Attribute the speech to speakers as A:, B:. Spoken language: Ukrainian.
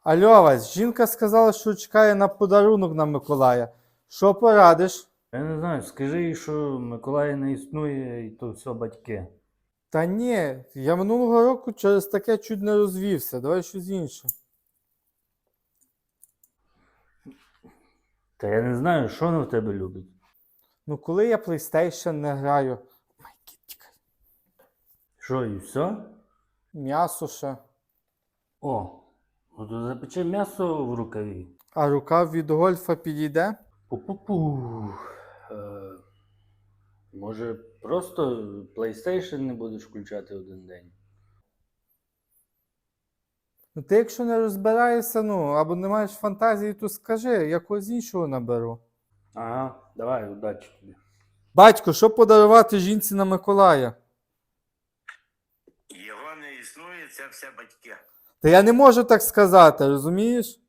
A: Алло, Вась, жінка сказала, що чекає на подарунок на Миколая. Що порадиш?
B: Я не знаю, скажи їй, що Миколая не існує і то все батьки.
A: Та ні, я минулого року через таке чуть не розвівся. Давай щось інше.
B: Та я не знаю, що вона в тебе любить.
A: Ну, коли я PlayStation не граю. Ой, кіт, тікай.
B: Що, і все?
A: М'ясо ще.
B: О, ну то запече м'ясо в рукаві.
A: А рукав від гольфа підійде?
B: Пу-пу-пу. Може, просто PlayStation не будеш включати один день?
A: Ну ти якщо не розбираєшся, ну, або не маєш фантазії, то скажи, я когось іншого наберу.
B: Ага, давай, удачі тобі.
A: Батько, що подарувати жінці на Миколая?
C: Його не існує, це все батьки.
A: Та я не можу так сказати, розумієш?